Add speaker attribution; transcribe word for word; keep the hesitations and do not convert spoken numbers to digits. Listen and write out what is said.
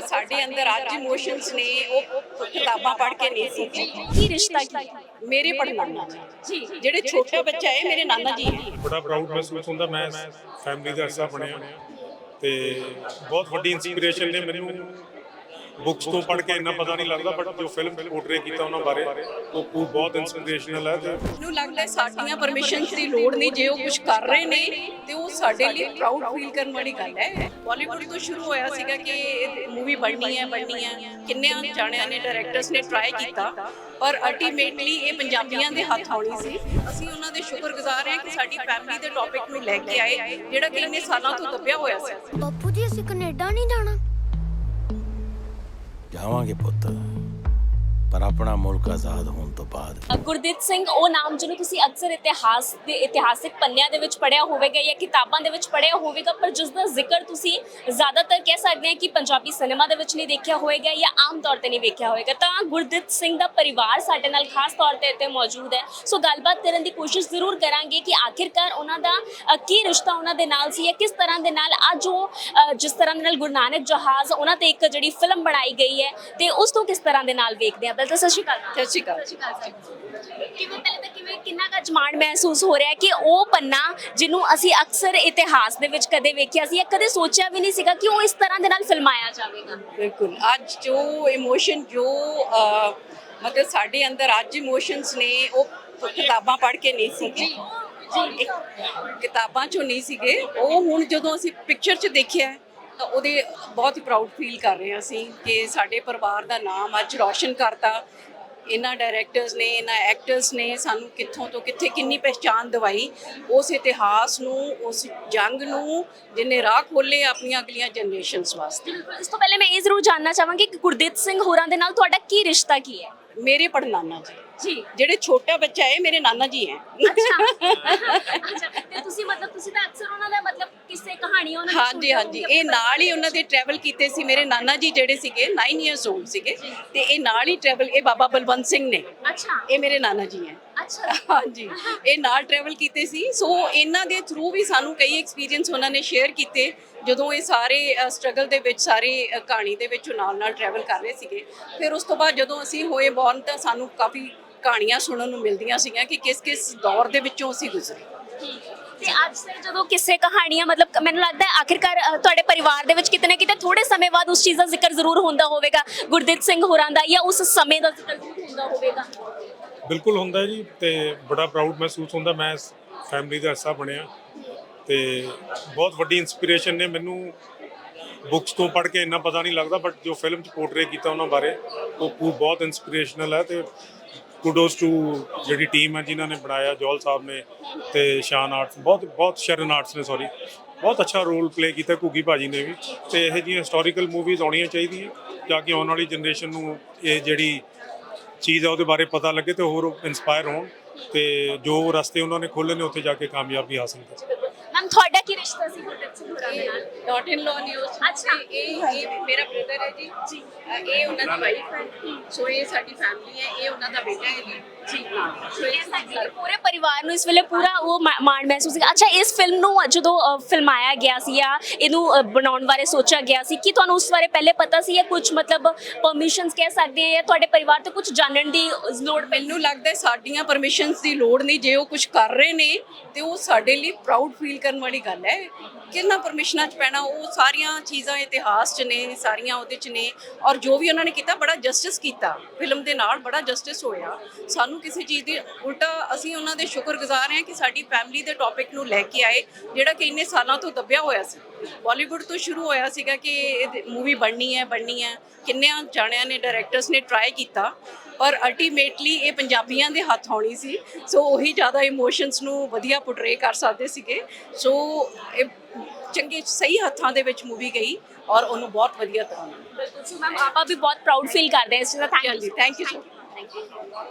Speaker 1: ਮਤਲਬ ਸਾਡੇ ਅੰਦਰ ਅੱਜ ਇਮੋਸ਼ਨਸ ਨੇ ਉਹ ਕਿਤਾਬਾਂ ਪੜ੍ਹ ਕੇ ਨਹੀਂ ਸੀ।
Speaker 2: ਕੀ ਰਿਸ਼ਤਾ ਕੀ
Speaker 1: ਮੇਰੇ ਪੜਨਾਨਾ
Speaker 2: ਜੀ
Speaker 1: ਜਿਹੜੇ ਛੋਟਾ ਬੱਚਾ ਹੈ ਮੇਰੇ ਨਾਨਾ ਜੀ ਹੈ।
Speaker 3: ਬੜਾ ਪ੍ਰਾਊਡ ਮਹਿਸੂਸ ਹੁੰਦਾ ਮੈਂ ਫੈਮਿਲੀ ਦਾ ਹਿੱਸਾ ਬਣਿਆ ਤੇ ਬਹੁਤ ਵੱਡੀ ਇਨਸਪੀਰੇਸ਼ਨ ਨੇ ਮੈਨੂੰ ਬੁੱਕਸ ਤੋਂ ਪੜ੍ਹ ਕੇ ਇੰਨਾ ਪਤਾ ਨਹੀਂ ਲੱਗਦਾ ਬਟ ਜੋ ਫਿਲਮ ਪੋਰਟਰੇ ਕੀਤਾ ਉਹਨਾਂ ਬਾਰੇ ਉਹ ਬਹੁਤ ਇਨਸਪੀਰੇਸ਼ਨਲ ਹੈ। ਤੇ
Speaker 1: ਮੈਨੂੰ ਲੱਗਦਾ ਸਾਡੀਆਂ ਪਰਮਿਸ਼ਨਸ ਦੀ ਲੋੜ ਨਹੀਂ, ਜੇ ਉਹ ਕੁਝ ਕਰ ਰਹੇ ਨੇ ਤੇ ਉਹ ਸਾਡੇ ਲਈ ਪ੍ਰਾਊਡ ਫੀਲ ਕਰਨ ਵਾਲੀ ਗੱਲ ਹੈ। ਬਾਲੀਵੁੱਡ ਤੋਂ ਸ਼ੁਰੂ ਹੋਇਆ ਸੀਗਾ ਕਿ ਇਹ ਮੂਵੀ ਬਣਨੀ ਹੈ ਬਣਨੀ ਹੈ ਕਿੰਨਿਆਂ ਜਾਣਿਆਂ ਨੇ ਡਾਇਰੈਕਟਰਸ ਨੇ ਟਰਾਈ ਕੀਤਾ ਪਰ ਅਲਟੀਮੇਟਲੀ ਇਹ ਪੰਜਾਬੀਆਂ ਦੇ ਹੱਥ ਆਉਣੀ ਸੀ। ਅਸੀਂ ਉਹਨਾਂ ਦੇ ਸ਼ੁਕਰਗੁਜ਼ਾਰ ਹਾਂ ਕਿ ਸਾਡੀ ਫੈਮਿਲੀ ਦੇ ਟੌਪਿਕ ਨੂੰ ਲੈ ਕੇ ਆਏ ਜਿਹੜਾ ਕਿ ਇੰਨੇ ਸਾਲਾਂ ਤੋਂ ਦੱਬਿਆ ਹੋਇਆ ਸੀ।
Speaker 4: ਬਾਪੂ ਜੀ ਅਸੀਂ ਕੈਨੇਡਾ ਨਹੀਂ ਜਾਣਾ।
Speaker 5: ਜਾਵਾਂਗੇ ਪੁੱਤ ਪਰ ਆਪਣਾ ਮੁਲਕ ਆਜ਼ਾਦ ਹੋਣ ਤੋਂ ਬਾਅਦ।
Speaker 2: ਗੁਰਦੀਪ ਸਿੰਘ ਉਹ ਨਾਮ ਜਿਹਨੂੰ ਤੁਸੀਂ ਅਕਸਰ ਇਤਿਹਾਸ ਦੇ ਇਤਿਹਾਸਿਕ ਪੰਨਿਆਂ ਦੇ ਵਿੱਚ ਪੜ੍ਹਿਆ ਹੋਵੇਗਾ ਜਾਂ ਕਿਤਾਬਾਂ ਦੇ ਵਿੱਚ ਪੜ੍ਹਿਆ ਹੋਵੇਗਾ ਪਰ ਜਿਸ ਦਾ ਜ਼ਿਕਰ ਤੁਸੀਂ ਜ਼ਿਆਦਾਤਰ ਕਹਿ ਸਕਦੇ ਹਾਂ ਕਿ ਪੰਜਾਬੀ ਸਿਨੇਮਾ ਦੇ ਵਿੱਚ ਨਹੀਂ ਦੇਖਿਆ ਹੋਵੇਗਾ ਜਾਂ ਆਮ ਤੌਰ ਤੇ ਨਹੀਂ ਵੇਖਿਆ ਹੋਵੇਗਾ। ਤਾਂ ਗੁਰਦੀਪ ਸਿੰਘ ਦਾ ਪਰਿਵਾਰ ਸਾਡੇ ਨਾਲ ਖਾਸ ਤੌਰ ਤੇ ਇੱਥੇ ਮੌਜੂਦ ਹੈ, ਸੋ ਗੱਲਬਾਤ ਕਰਨ ਦੀ ਕੋਸ਼ਿਸ਼ ਜ਼ਰੂਰ ਕਰਾਂਗੇ ਕਿ ਆਖਿਰਕਾਰ ਉਹਨਾਂ ਦਾ ਕੀ ਰਿਸ਼ਤਾ ਉਹਨਾਂ ਦੇ ਨਾਲ ਸੀ ਜਾਂ ਕਿਸ ਤਰ੍ਹਾਂ ਦੇ ਨਾਲ ਅੱਜ ਉਹ ਜਿਸ ਤਰ੍ਹਾਂ ਦੇ ਨਾਲ ਗੁਰੂ ਨਾਨਕ ਜਹਾਜ਼ ਉਹਨਾਂ ਤੇ ਇੱਕ ਜਿਹੜੀ ਫਿਲਮ ਬਣਾਈ ਗਈ ਹੈ ਤੇ ਉਸ ਤੋਂ ਕਿਸ ਤਰ੍ਹਾਂ ਦੇ ਨਾਲ ਵੇਖਦੇ ਆ। ਤਾਂ ਸਤਿ ਸ਼੍ਰੀ ਅਕਾਲ।
Speaker 1: ਸਤਿ ਸ਼੍ਰੀ ਅਕਾਲ।
Speaker 2: ਕਿਵੇਂ ਪਹਿਲੇ ਤਾਂ ਕਿਵੇਂ ਕਿੰਨਾ ਕੁ ਅਜਮਾਨ ਮਹਿਸੂਸ ਹੋ ਰਿਹਾ ਕਿ ਉਹ ਪੰਨਾ ਜਿਹਨੂੰ ਅਸੀਂ ਅਕਸਰ ਇਤਿਹਾਸ ਦੇ ਵਿੱਚ ਕਦੇ ਵੇਖਿਆ ਸੀ ਜਾਂ ਕਦੇ ਸੋਚਿਆ ਵੀ ਨਹੀਂ ਸੀਗਾ ਕਿ ਉਹ ਇਸ ਤਰ੍ਹਾਂ ਦੇ ਨਾਲ ਫਿਲਮਾਇਆ ਜਾਵੇਗਾ।
Speaker 1: ਬਿਲਕੁਲ ਅੱਜ ਜੋ ਇਮੋਸ਼ਨ ਜੋ ਮਤਲਬ ਸਾਡੇ ਅੰਦਰ ਅੱਜ ਇਮੋਸ਼ਨਸ ਨੇ ਉਹ ਕਿਤਾਬਾਂ ਪੜ੍ਹ ਕੇ ਨਹੀਂ ਸੀਗੇ ਜੀ ਕਿਤਾਬਾਂ ਚੋਂ ਨਹੀਂ ਸੀਗੇ ਉਹ ਹੁਣ ਜਦੋਂ ਅਸੀਂ ਪਿਕਚਰ 'ਚ ਦੇਖਿਆ ਤਾਂ ਉਹਦੇ ਬਹੁਤ ਹੀ ਪ੍ਰਾਊਡ ਫੀਲ ਕਰ ਰਹੇ ਹਾਂ ਅਸੀਂ ਕਿ ਸਾਡੇ ਪਰਿਵਾਰ ਦਾ ਨਾਮ ਅੱਜ ਰੌਸ਼ਨ ਕਰਤਾ। ਇਹਨਾਂ ਡਾਇਰੈਕਟਰਸ ਨੇ ਇਹਨਾਂ ਐਕਟਰਸ ਨੇ ਸਾਨੂੰ ਕਿੱਥੋਂ ਤੋਂ ਕਿੱਥੇ ਕਿੰਨੀ ਪਹਿਚਾਣ ਦਿਵਾਈ ਉਸ ਇਤਿਹਾਸ ਨੂੰ ਉਸ ਜੰਗ ਨੂੰ ਜਿਹਨੇ ਰਾਹ ਖੋਲੇ ਆਪਣੀਆਂ ਅਗਲੀਆਂ ਜਨਰੇਸ਼ਨਸ ਵਾਸਤੇ।
Speaker 2: ਇਸ ਤੋਂ ਪਹਿਲੇ ਮੈਂ ਇਹ ਜ਼ਰੂਰ ਜਾਣਨਾ ਚਾਹਾਂਗੀ ਕਿ ਗੁਰਦੀਪ ਸਿੰਘ ਹੋਰਾਂ ਦੇ ਨਾਲ ਤੁਹਾਡਾ ਕੀ ਰਿਸ਼ਤਾ ਕੀ ਹੈ।
Speaker 1: ਮੇਰੇ ਪੜਨਾਨਾ ਜੀ
Speaker 2: ਜੀ
Speaker 1: ਜਿਹੜੇ ਛੋਟਾ ਬੱਚਾ ਹੈ ਮੇਰੇ ਨਾਨਾ ਜੀ ਹੈ।
Speaker 2: ਅੱਛਾ ਅੱਛਾ ਤੇ ਤੁਸੀਂ ਮਤਲਬ ਤੁਸੀਂ ਤਾਂ ਅਕਸਰ ਉਹਨਾਂ ਦਾ ਮਤਲਬ ਕਿਸੇ ਕਹਾਣੀਆਂ ਉਹਨਾਂ ਦੀ
Speaker 1: ਹਾਂਜੀ ਹਾਂਜੀ ਇਹ ਨਾਲ ਹੀ ਉਹਨਾਂ ਦੇ ਟਰੈਵਲ ਕੀਤੇ ਸੀ। ਮੇਰੇ ਨਾਨਾ ਜੀ ਜਿਹੜੇ ਸੀਗੇ ਨੌ ਇਅਰਸ 올ਡ ਸੀਗੇ ਤੇ ਇਹ ਨਾਲ ਹੀ ਟਰੈਵਲ ਇਹ ਬਾਬਾ ਬਲਵੰਤ ਸਿੰਘ ਨੇ।
Speaker 2: ਅੱਛਾ
Speaker 1: ਇਹ ਮੇਰੇ ਨਾਨਾ ਜੀ ਹੈ।
Speaker 2: ਅੱਛਾ
Speaker 1: ਹਾਂਜੀ ਇਹ ਨਾਲ ਟਰੈਵਲ ਕੀਤੇ ਸੀ ਸੋ ਇਹਨਾਂ ਦੇ ਥਰੂ ਵੀ ਸਾਨੂੰ ਕਈ ਐਕਸਪੀਰੀਅੰਸ ਉਹਨਾਂ ਨੇ ਸ਼ੇਅਰ ਕੀਤੇ ਜਦੋਂ ਇਹ ਸਾਰੇ ਸਟਰਗਲ ਦੇ ਵਿੱਚ ਸਾਰੇ ਕਹਾਣੀ ਦੇ ਵਿੱਚ ਨਾਲ ਨਾਲ ਟਰੈਵਲ ਕਰ ਰਹੇ ਸੀਗੇ। ਫਿਰ ਉਸ ਤੋਂ ਬਾਅਦ ਜਦੋਂ ਅਸੀਂ ਹੋਏ ਬੌਰਨ ਤਾਂ ਸਾਨੂੰ ਕਾਫੀ ਕਹਾਣੀਆਂ ਸੁਣਨ ਨੂੰ ਮਿਲਦੀਆਂ ਸੀਗੀਆਂ ਕਿ ਕਿਸ ਕਿਸ ਦੌਰ ਦੇ ਵਿੱਚੋਂ ਅਸੀਂ ਗੁਜ਼ਰੇ।
Speaker 2: ਤੇ ਅੱਜ ਸੇ ਜਦੋਂ ਕਿਸੇ ਕਹਾਣੀਆਂ ਮਤਲਬ ਮੈਨੂੰ ਲੱਗਦਾ ਹੈ ਆਖਿਰਕਾਰ ਤੁਹਾਡੇ ਪਰਿਵਾਰ ਦੇ ਵਿੱਚ ਕਿਤੇ ਨਾ ਕਿਤੇ ਥੋੜੇ ਸਮੇਂ ਬਾਅਦ ਉਸ ਚੀਜ਼ ਦਾ ਜ਼ਿਕਰ ਜ਼ਰੂਰ ਹੁੰਦਾ ਹੋਵੇਗਾ ਗੁਰਦੀਪ ਸਿੰਘ ਹੋਰਾਂ ਦਾ ਜਾਂ ਉਸ ਸਮੇਂ ਦਾ ਜ਼ਿਕਰ ਜ਼ਰੂਰ ਹੁੰਦਾ ਹੋਵੇਗਾ।
Speaker 3: ਬਿਲਕੁਲ ਹੁੰਦਾ ਜੀ ਤੇ ਬੜਾ ਪ੍ਰਾਊਡ ਮਹਿਸੂਸ ਹੁੰਦਾ ਮੈਂ ਫੈਮਿਲੀ ਦਾ ਹਿੱਸਾ ਬਣਿਆ ਤੇ ਬਹੁਤ ਵੱਡੀ ਇਨਸਪੀਰੇਸ਼ਨ ਨੇ ਮੈਨੂੰ ਬੁੱਕਸ ਤੋਂ ਪੜ੍ਹ ਕੇ ਇੰਨਾ ਪਤਾ ਨਹੀਂ ਲੱਗਦਾ ਬਟ ਜੋ ਫਿਲਮ 'ਚ ਪੋਰਟਰੇ ਕੀਤਾ ਉਹਨਾਂ ਬਾਰੇ ਉਹ ਬਹੁਤ ਇਨਸਪੀਰੇਸ਼ਨਲ ਹੈ। ਤੇ ਕੁਡੋਸ ਟੂ ਜਿਹੜੀ ਟੀਮ ਹੈ ਜਿਨ੍ਹਾਂ ਨੇ ਬਣਾਇਆ ਜੋਲ ਸਾਹਿਬ ਨੇ ਤੇ ਸ਼ਾਨ ਆਰਟਸ ਬਹੁਤ ਬਹੁਤ ਸ਼ਰਨ ਆਰਟਸ ਨੇ ਸੌਰੀ ਬਹੁਤ ਅੱਛਾ ਰੋਲ ਪਲੇ ਕੀਤਾ ਘੁੱਗੀ ਭਾਜੀ ਨੇ ਵੀ। ਤੇ ਇਹੋ ਜਿਹੀਆਂ ਹਿਸਟੋਰੀਕਲ ਮੂਵੀਜ਼ ਆਉਣੀਆਂ ਚਾਹੀਦੀਆਂ ਤਾਂ ਕਿ ਆਉਣ ਵਾਲੀ ਜਨਰੇਸ਼ਨ ਨੂੰ ਇਹ ਜਿਹੜੀ ਚੀਜ਼ ਹੈ ਉਹਦੇ ਬਾਰੇ ਪਤਾ ਲੱਗੇ ਤੇ ਹੋਰ ਇੰਸਪਾਇਰ ਹੋਣ ਤੇ ਜੋ ਰਸਤੇ ਉਹਨਾਂ ਨੇ ਖੋਲ੍ਹੇ ਨੇ ਉੱਥੇ ਜਾ ਕੇ ਕਾਮਯਾਬੀ ਹਾਸਲ ਕਰ।
Speaker 2: ਮੈਮ ਤੁਹਾਡਾ ਕੀ ਰਿਸ਼ਤਾ ਸੀ ਗੁਰਦੀਪ ਸਿੰਘ ਹੋਰਾਂ ਦੇ ਨਾਲ।
Speaker 1: ਡਾਟ ਇਨ ਲਾਅ ਨਿਊਜ਼
Speaker 2: ਅੱਛਾ
Speaker 1: ਇਹ ਇਹ ਮੇਰਾ ਬ੍ਰਦਰ ਹੈ ਜੀ ਜੀ ਇਹ ਉਹਨਾਂ ਦੀ ਵਾਈਫ ਹੈ ਸੋ ਇਹ ਸਾਡੀ ਫੈਮਿਲੀ ਹੈ ਇਹ ਉਹਨਾਂ ਦਾ ਬੇਟਾ ਹੈ ਜੀ ਜੀ ਹਾਂ ਸੋ ਇਹ ਸਾਡੀ
Speaker 2: ਪੂਰੇ ਪਰਿਵਾਰ ਨੂੰ ਇਸ ਵੇਲੇ ਪੂਰਾ ਉਹ ਮਾਣ ਮਹਿਸੂਸ ਹੈ। ਅੱਛਾ ਇਸ ਫਿਲਮ ਨੂੰ ਜਦੋਂ ਫਿਲਮਾਇਆ ਗਿਆ ਸੀ ਜਾਂ ਇਹਨੂੰ ਬਣਾਉਣ ਬਾਰੇ ਸੋਚਿਆ ਗਿਆ ਸੀ ਕਿ ਤੁਹਾਨੂੰ ਉਸ ਬਾਰੇ ਪਹਿਲੇ ਪਤਾ ਸੀ ਜਾਂ ਕੁਝ ਮਤਲਬ ਪਰਮਿਸ਼ਨਸ ਕਹਿ ਸਕਦੇ ਆ ਜਾਂ ਤੁਹਾਡੇ ਪਰਿਵਾਰ ਤੋਂ ਕੁਝ ਜਾਣਨ ਦੀ ਲੋੜ?
Speaker 1: ਮੈਨੂੰ ਲੱਗਦਾ ਸਾਡੀਆਂ ਪਰਮਿਸ਼ਨਸ ਦੀ ਲੋੜ ਨਹੀਂ, ਜੇ ਉਹ ਕੁਝ ਕਰ ਰਹੇ ਨੇ ਤੇ ਉਹ ਸਾਡੇ ਲਈ ਪ੍ਰਾਊਡ ਫੀਲ ਕਰਨ ਵਾਲੀ ਗੱਲ ਹੈ। ਕਿੰਨਾ ਪਰਮਿਸ਼ਨਾਂ 'ਚ ਪੈਣਾ ਉਹ ਸਾਰੀਆਂ ਚੀਜ਼ਾਂ ਇਤਿਹਾਸ 'ਚ ਨੇ ਸਾਰੀਆਂ ਉਹਦੇ 'ਚ ਨੇ ਔਰ ਜੋ ਵੀ ਉਹਨਾਂ ਨੇ ਕੀਤਾ ਬੜਾ ਜਸਟਿਸ ਕੀਤਾ ਫਿਲਮ ਦੇ ਨਾਲ ਬੜਾ ਜਸਟਿਸ ਹੋਇਆ। ਸਾਨੂੰ ਕਿਸੇ ਚੀਜ਼ ਦੀ ਉਲਟਾ ਅਸੀਂ ਉਹਨਾਂ ਦੇ ਸ਼ੁਕਰਗੁਜ਼ਾਰ ਹਾਂ ਕਿ ਸਾਡੀ ਫੈਮਿਲੀ ਦੇ ਟੌਪਿਕ ਨੂੰ ਲੈ ਕੇ ਆਏ ਜਿਹੜਾ ਕਿ ਇੰਨੇ ਸਾਲਾਂ ਤੋਂ ਦੱਬਿਆ ਹੋਇਆ ਸੀ। ਬਾਲੀਵੁੱਡ ਤੋਂ ਸ਼ੁਰੂ ਹੋਇਆ ਸੀਗਾ ਕਿ ਇਹ ਮੂਵੀ ਬਣਨੀ ਹੈ ਬਣਨੀ ਹੈ ਕਿੰਨਿਆਂ ਜਾਣਿਆਂ ਨੇ ਡਾਇਰੈਕਟਰਸ ਨੇ ਟਰਾਈ ਕੀਤਾ ਪਰ ਅਲਟੀਮੇਟਲੀ ਇਹ ਪੰਜਾਬੀਆਂ ਦੇ ਹੱਥ ਆਉਣੀ ਸੀ ਸੋ ਉਹੀ ਜ਼ਿਆਦਾ ਇਮੋਸ਼ਨਸ ਨੂੰ ਵਧੀਆ ਪੋਰਟਰੇ ਕਰ ਸਕਦੇ ਸੀਗੇ। ਸੋ ਇਹ ਚੰਗੇ ਸਹੀ ਹੱਥਾਂ ਦੇ ਵਿੱਚ ਮੂਵੀ ਗਈ ਔਰ ਉਹਨੂੰ ਬਹੁਤ ਵਧੀਆ ਤਰ੍ਹਾਂ ਨਾਲ।
Speaker 2: ਬਿਲਕੁਲ ਮੈਮ ਆਪਾਂ ਵੀ ਬਹੁਤ ਪ੍ਰਾਊਡ ਫੀਲ ਕਰਦੇ ਹਾਂ ਇਸ ਚੀਜ਼ ਦਾ। Thank you
Speaker 1: thank you so much.